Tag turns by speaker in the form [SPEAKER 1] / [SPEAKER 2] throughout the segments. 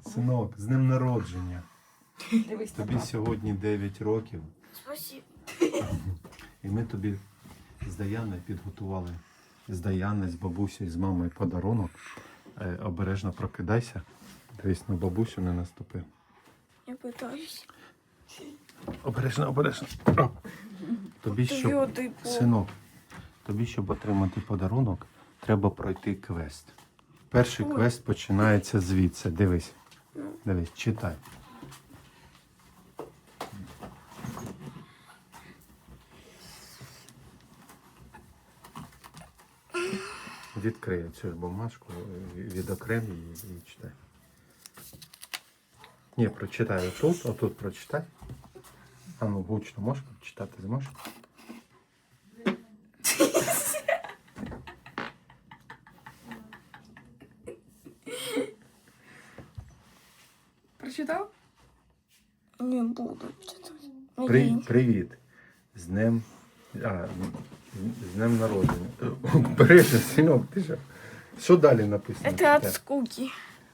[SPEAKER 1] Синок, з днем народження.
[SPEAKER 2] Дивись,
[SPEAKER 1] Тобі сьогодні 9 років.
[SPEAKER 3] Спасибо.
[SPEAKER 1] І ми тобі з Даяною підготували, з Даяною, з бабусею, з мамою подарунок. Обережно прокидайся. Дивись, на бабусю не наступи.
[SPEAKER 3] Я пытаюсь.
[SPEAKER 1] Обережно, обережно. О. Тобі, щоб,
[SPEAKER 3] Твердий пол.
[SPEAKER 1] синок, тобі, щоб отримати подарунок, треба пройти квест. Перший квест починається звідси. Дивись. Дивись, читай. Відкрий цю бумажку, відокрем її і читай. Ні, прочитай отут, отут прочитай. А ну, гучно можеш прочитати, зможеш?
[SPEAKER 2] Прочитав?
[SPEAKER 3] Не буду читать.
[SPEAKER 1] Привіт. З днем... з днем народження. Бережно, синок, ти що? Що далі написано?
[SPEAKER 3] Это от скуки.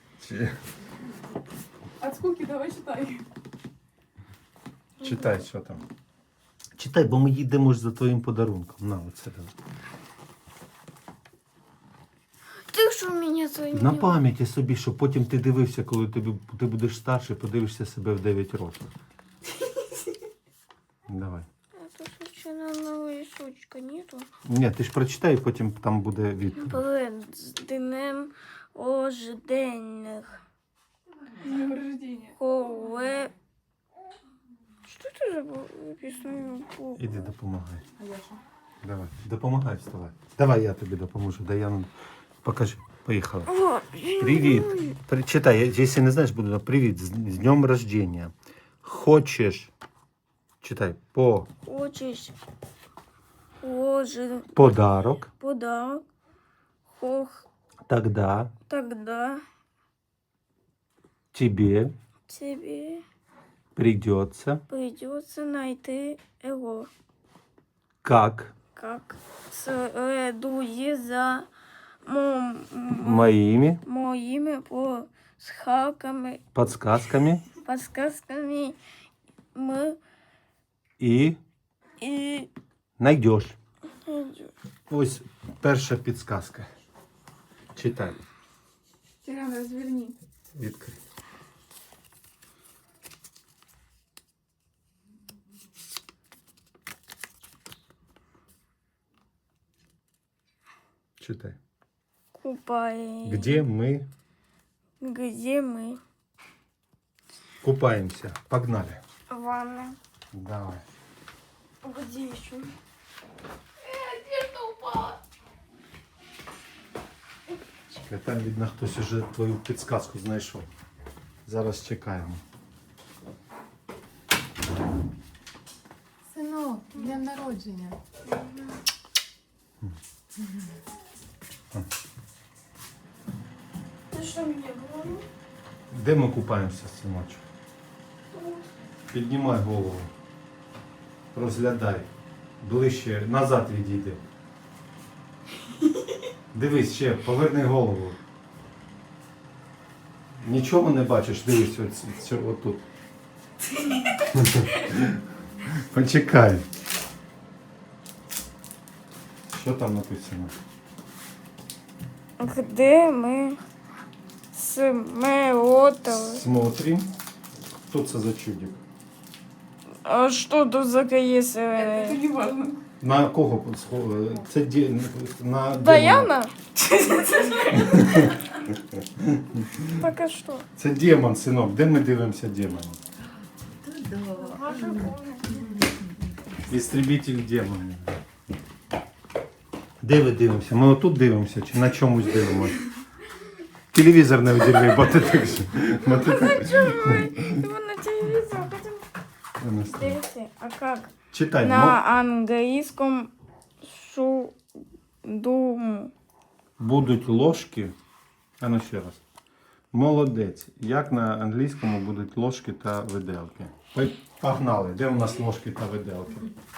[SPEAKER 2] От скуки давай читай.
[SPEAKER 1] Читай, що там. Читай, бо ми їдемо ж за твоїм подарунком. На, оце давай.
[SPEAKER 3] Ты что меня своими...
[SPEAKER 1] На пам'яті собі, щоб потім ти дивився, коли ти будеш старший, подивишся себе в 9 років. Давай.
[SPEAKER 3] Это случайно одного рисунка нету.
[SPEAKER 1] Ні, ти ж прочитай, і потім там буде відповідь.
[SPEAKER 3] Перед днем рожденных.
[SPEAKER 2] Днем рождения.
[SPEAKER 3] Коле... Что это за написано?
[SPEAKER 1] Іди допомагай.
[SPEAKER 2] А я що?
[SPEAKER 1] Давай, допомагай, вставай. Давай я тобі допоможу. Даяну, покажи. Поїхала.
[SPEAKER 3] О,
[SPEAKER 1] Привіт. Читай, якщо не знаєш, буду. Привіт, з днем рождения. Хочеш, читай,
[SPEAKER 3] Хочешь
[SPEAKER 1] подарок,
[SPEAKER 3] подарок,
[SPEAKER 1] тогда
[SPEAKER 3] тогда
[SPEAKER 1] тебе
[SPEAKER 3] тебе
[SPEAKER 1] придется,
[SPEAKER 3] придется найти его,
[SPEAKER 1] как
[SPEAKER 3] как следует за
[SPEAKER 1] моими
[SPEAKER 3] моими подсказками,
[SPEAKER 1] подсказками
[SPEAKER 3] мы
[SPEAKER 1] і
[SPEAKER 3] и
[SPEAKER 1] найдешь. Ось перша підсказка. Читай.
[SPEAKER 2] Тиран, разверни.
[SPEAKER 1] Відкрий. Читай.
[SPEAKER 3] купаем.
[SPEAKER 1] Где мы
[SPEAKER 3] Где мы?
[SPEAKER 1] купаемся? Погнали.
[SPEAKER 3] Ванна.
[SPEAKER 1] Давай.
[SPEAKER 3] Где еще?
[SPEAKER 1] Чекай, там, видно, хтось уже твою підсказку знайшов. Зараз чекаємо.
[SPEAKER 2] Синок, днем народження.
[SPEAKER 3] Ты что мне говорил?
[SPEAKER 1] Де ми купаємося, синочок? Піднімай голову. Розглядай. Ближче, назад відійди. Дивись ще, поверни голову. Нічого не бачиш, дивись отут. Почекай. Що там написано?
[SPEAKER 3] Где мы смотрели?
[SPEAKER 1] Смотрим. Хто це за чудик?
[SPEAKER 3] А что тут за КС?
[SPEAKER 2] Это не важно.
[SPEAKER 1] На кого схоже? Це на
[SPEAKER 3] Даяна? Так а что?
[SPEAKER 1] Це демон, синок. Де ми дивимося демона? Істребитель демонів. Де ви дивимося? Ми отут дивимося чи на чомусь дивимося? Телевізор не виділи, бо ти так же. Бо ти так.
[SPEAKER 3] Его на телевизор хотим. Смотрите, а как?
[SPEAKER 1] Читай.
[SPEAKER 3] На английском судуму.
[SPEAKER 1] Будуть ложки. А ну ще раз. Молодець. Як на англійському будуть ложки та виделки? Погнали. Де у нас ложки та виделки?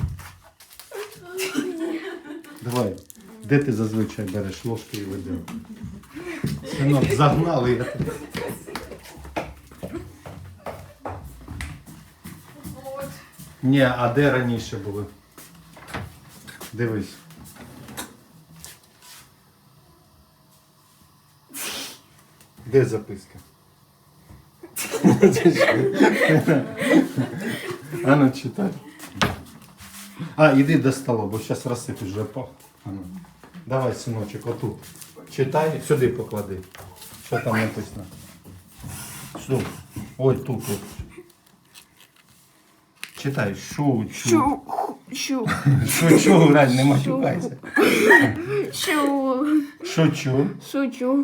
[SPEAKER 1] Давай. Де ти зазвичай береш ложки і виделки? Синок, загнали. Ні, а де раніше були? Дивись. Де записка? А ну читай. А, іди до стола, бо зараз розсипеш вже по. А ну. Давай, синочок, отут. Читай, сюди поклади. Що там написано? Що? Ой, тут. Читай. Шучу. Шучу, Грань, не матюкайся. Шучу.
[SPEAKER 3] Шучу.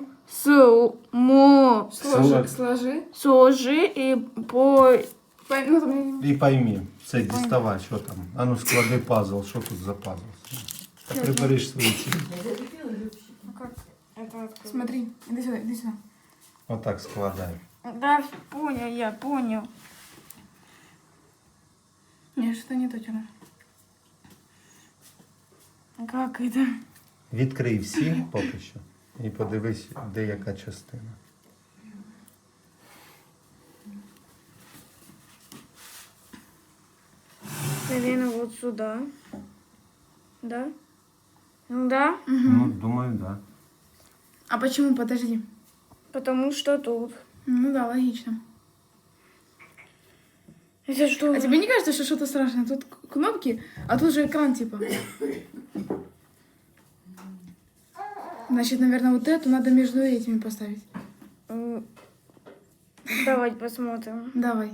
[SPEAKER 2] Сложи.
[SPEAKER 3] Сложи и по...
[SPEAKER 2] Ну, там...
[SPEAKER 1] І пойми, це діставай, що там. А ну склади пазл, що тут за пазл? Та прибереш свої цілі.
[SPEAKER 3] Как это открыть?
[SPEAKER 2] Смотри, иди сюда, иди сюда.
[SPEAKER 1] Отак складай.
[SPEAKER 3] Да, понял, я понял.
[SPEAKER 2] Нет, что-то не то, Тёма.
[SPEAKER 3] Как это?
[SPEAKER 1] Відкрий всі поки що і подивись, де яка частина.
[SPEAKER 3] Наверное, вот сюда. Да? Ну да,
[SPEAKER 1] Ну, думаю, так. Да.
[SPEAKER 2] А почему? Подожди.
[SPEAKER 3] потому что тут.
[SPEAKER 2] Ну да, логично.
[SPEAKER 3] Это что?
[SPEAKER 2] А тебе не кажется, что что-то страшное? Тут кнопки, а тут же экран типа. Значит, наверное, вот эту надо между этими поставить.
[SPEAKER 3] Давай посмотрим.
[SPEAKER 2] Давай.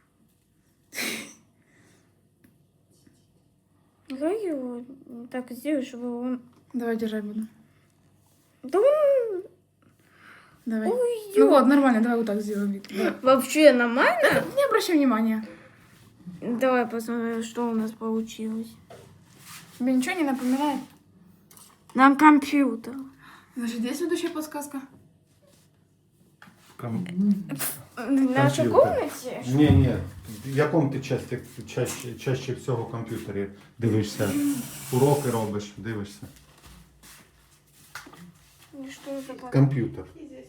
[SPEAKER 3] Как его так сделать, чтобы он...
[SPEAKER 2] Давай держать буду.
[SPEAKER 3] Да он
[SPEAKER 2] Давай.
[SPEAKER 3] уйдет.
[SPEAKER 2] Ну вот, нормально, давай вот так сделаем вид. Давай.
[SPEAKER 3] Вообще нормально?
[SPEAKER 2] Не обращай внимания.
[SPEAKER 3] Давай посмотрим, что у нас получилось.
[SPEAKER 2] Тебе ничего не напоминает?
[SPEAKER 3] На компьютер.
[SPEAKER 2] Значит, есть следующая подсказка?
[SPEAKER 3] В нашей
[SPEAKER 1] Компьютер.
[SPEAKER 3] комнате?
[SPEAKER 1] Ні. В якому ти чаще всього комп'ютері дивишся? Уроки робиш, дивишся?
[SPEAKER 3] И что это такое?
[SPEAKER 1] Комп'ютер.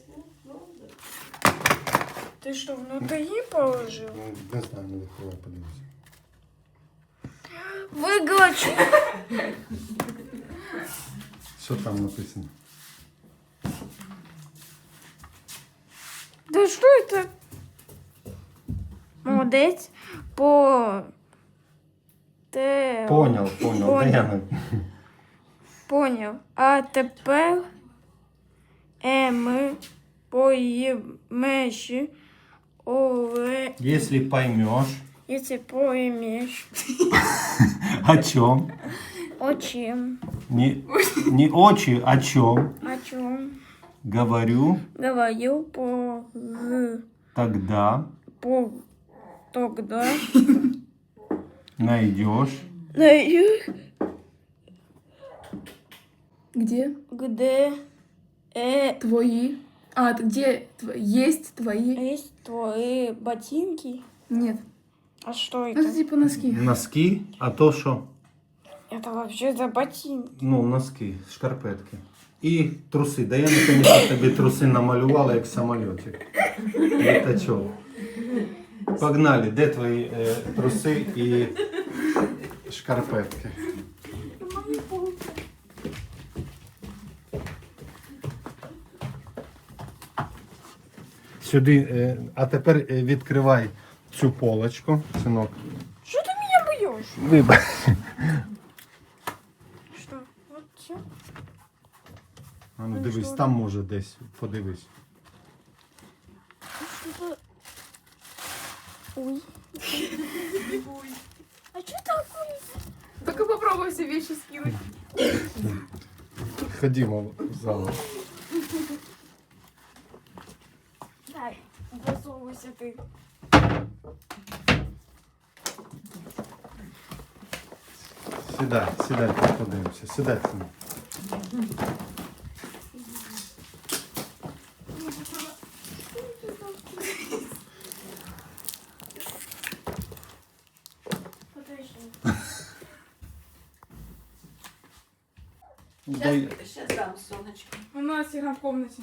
[SPEAKER 3] Ты что, внутри положил?
[SPEAKER 1] Ну, не знаю, не відкривай, подивися.
[SPEAKER 3] Выгочу.
[SPEAKER 1] Що там написано?
[SPEAKER 3] Да что это? Молодец. По... Те...
[SPEAKER 1] Поняв.
[SPEAKER 3] Поняв.
[SPEAKER 1] Даяна.
[SPEAKER 3] Понял. А тепер ми поймеш оле...
[SPEAKER 1] Если поймешь,
[SPEAKER 3] Если поймеш
[SPEAKER 1] о чем,
[SPEAKER 3] о чем,
[SPEAKER 1] не очи, о чем
[SPEAKER 3] о чем
[SPEAKER 1] говорю,
[SPEAKER 3] говорил
[SPEAKER 1] тогда
[SPEAKER 3] тогда
[SPEAKER 1] найдешь
[SPEAKER 3] найдешь,
[SPEAKER 2] Где?
[SPEAKER 3] где
[SPEAKER 2] Твои. А, где есть твои?
[SPEAKER 3] есть твои ботинки.
[SPEAKER 2] Нет.
[SPEAKER 3] А что
[SPEAKER 2] Ну, это
[SPEAKER 3] это?
[SPEAKER 2] типа носки.
[SPEAKER 1] носки, а то що?
[SPEAKER 3] Это вообще за ботинки.
[SPEAKER 1] Ну, носки, шкарпетки. І труси. Да я наконец тобі труси намалювала, як самолітик. Літачок. Погнали, де твої труси і шкарпетки? Сюди, а тепер відкривай цю полочку, синок.
[SPEAKER 3] Что ты меня бьешь?
[SPEAKER 1] Вибач.
[SPEAKER 3] Что? Вот все?
[SPEAKER 1] А ну дивись, там може десь, подивись.
[SPEAKER 3] Что-то... Ой. А что такое?
[SPEAKER 2] Только попробуй все вещи скинуть.
[SPEAKER 1] Ходімо в зал.
[SPEAKER 3] Дай, засовывайся ты.
[SPEAKER 1] Сідай, подивимося. Сідай, синок.
[SPEAKER 3] Подожди.
[SPEAKER 1] Дай.
[SPEAKER 4] Сейчас дам, солнышко.
[SPEAKER 2] У нас игра в комнате.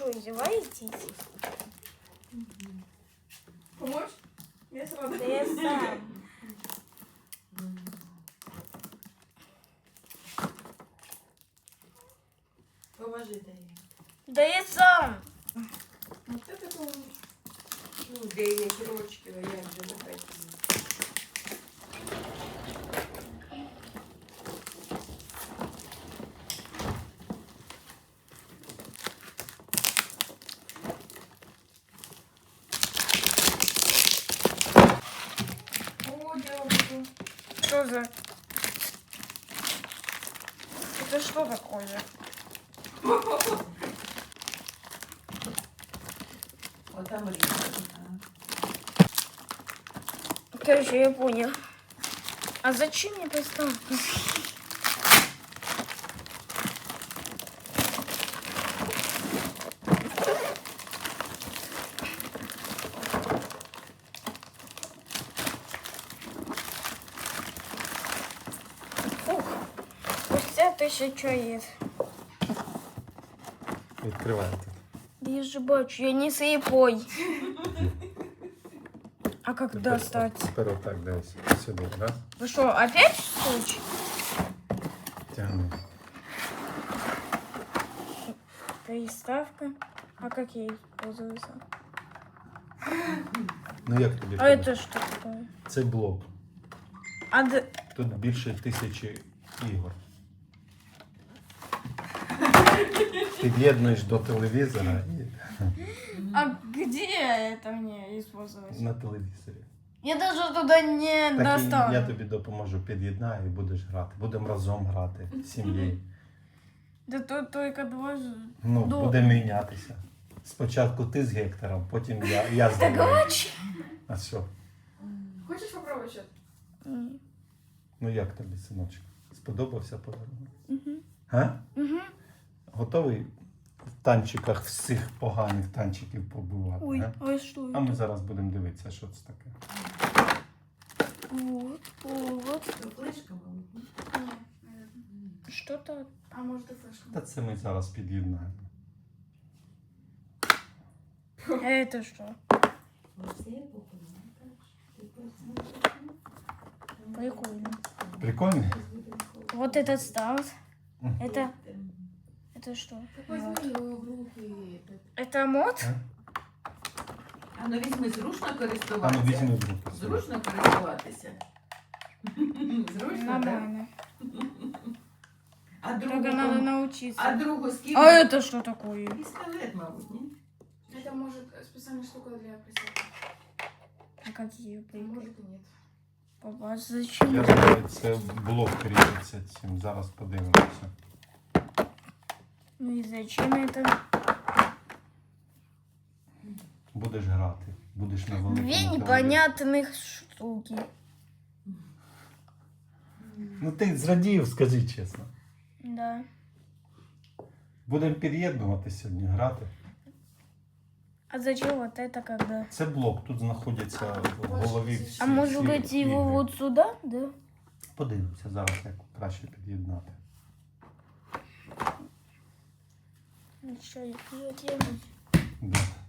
[SPEAKER 3] что, издеваетесь?
[SPEAKER 2] Помочь? Я сразу.
[SPEAKER 3] Да я сам.
[SPEAKER 4] Поможи Дар'я.
[SPEAKER 3] Да я сам.
[SPEAKER 2] Вот это помочь.
[SPEAKER 4] Ну, де є ручки, а як же не хотіли.
[SPEAKER 2] О, девушка.
[SPEAKER 3] Что за... Это что такое?
[SPEAKER 4] Отам різко.
[SPEAKER 3] Короче, я понял. А зачем мне приставка? Фух. Спустя 1000 яиц.
[SPEAKER 1] Відкривайте.
[SPEAKER 3] Я же бачу, я не слепой. А как достать?
[SPEAKER 1] Тепер отак десь сюди, раз.
[SPEAKER 3] Вы что, опять скотч?
[SPEAKER 1] Тягни.
[SPEAKER 3] Приставка. А как ей пользоваться?
[SPEAKER 1] Ну як тобі?
[SPEAKER 3] А это что такое?
[SPEAKER 1] Це блок.
[SPEAKER 3] А
[SPEAKER 1] Тут більше 1000 ігор. Під'єднуєш до телевізора і
[SPEAKER 3] А где это мне использовать?
[SPEAKER 1] на телевізорі.
[SPEAKER 3] Я даже туда не
[SPEAKER 1] Так і
[SPEAKER 3] достану.
[SPEAKER 1] я тобі допоможу, під'єднаю і будеш грати. Будемо разом грати з сім'єю.
[SPEAKER 3] Да тут только два же.
[SPEAKER 1] Ну,
[SPEAKER 3] Добре.
[SPEAKER 1] будемо мінятися. Спочатку ти з Гектором, потім я з
[SPEAKER 3] Так
[SPEAKER 1] тобою.
[SPEAKER 3] очень.
[SPEAKER 1] А що?
[SPEAKER 2] Хочешь попробовать что-то?
[SPEAKER 1] Ну як тобі, синочок? Сподобався подарунок?
[SPEAKER 3] Угу.
[SPEAKER 1] А?
[SPEAKER 3] Угу.
[SPEAKER 1] Готовий в танчиках всіх поганих танчиків побувати?
[SPEAKER 3] Ой,
[SPEAKER 1] А?
[SPEAKER 3] а что
[SPEAKER 1] А ми
[SPEAKER 3] это?
[SPEAKER 1] зараз будемо дивитися, що це таке.
[SPEAKER 3] Вот, вот.
[SPEAKER 4] То флешка, мабуть.
[SPEAKER 2] Нет, наверное.
[SPEAKER 3] Что-то.
[SPEAKER 2] А может и флешка.
[SPEAKER 1] Та це ми зараз під'єднаємо.
[SPEAKER 3] А это что?
[SPEAKER 4] Оце популярно. Ти просто
[SPEAKER 3] Прикольно.
[SPEAKER 1] Прикольно?
[SPEAKER 3] Вот этот став.
[SPEAKER 1] Мгм.
[SPEAKER 3] Это что?
[SPEAKER 2] Так возьми его в руки.
[SPEAKER 3] Это мод?
[SPEAKER 4] А ну візьми, зручно
[SPEAKER 1] А ну
[SPEAKER 4] користуватися.
[SPEAKER 1] візьми в руки.
[SPEAKER 4] Зручно користуватися. Зручно, так?
[SPEAKER 3] Нормально.
[SPEAKER 4] А
[SPEAKER 3] Только надо
[SPEAKER 4] другу,
[SPEAKER 3] научиться.
[SPEAKER 4] а другу скільки?
[SPEAKER 3] А это что такое?
[SPEAKER 4] Пістолет, мабуть, ні?
[SPEAKER 2] Это может специальная штука для присадки.
[SPEAKER 3] А как ее
[SPEAKER 2] А
[SPEAKER 3] прикрыть?
[SPEAKER 2] может и нет.
[SPEAKER 3] Папа, зачем?
[SPEAKER 1] Я думаю, це блок кріпиться цим. Зараз подивимося.
[SPEAKER 3] Ну и зачем это?
[SPEAKER 1] Будеш грати. Будеш на великому
[SPEAKER 3] Две
[SPEAKER 1] телевізорі.
[SPEAKER 3] непонятных штуки.
[SPEAKER 1] Ну ти зрадів, скажи чесно.
[SPEAKER 3] Да.
[SPEAKER 1] Будемо під'єднувати сьогодні, грати.
[SPEAKER 3] А зачем вот это когда?
[SPEAKER 1] Це блок, тут знаходяться в голові всі.
[SPEAKER 3] А может
[SPEAKER 1] всі
[SPEAKER 3] быть его
[SPEAKER 1] ігри.
[SPEAKER 3] вот сюда, да?
[SPEAKER 1] Подивимося зараз, як краще під'єднати.
[SPEAKER 3] Что, я делаю?
[SPEAKER 1] Да.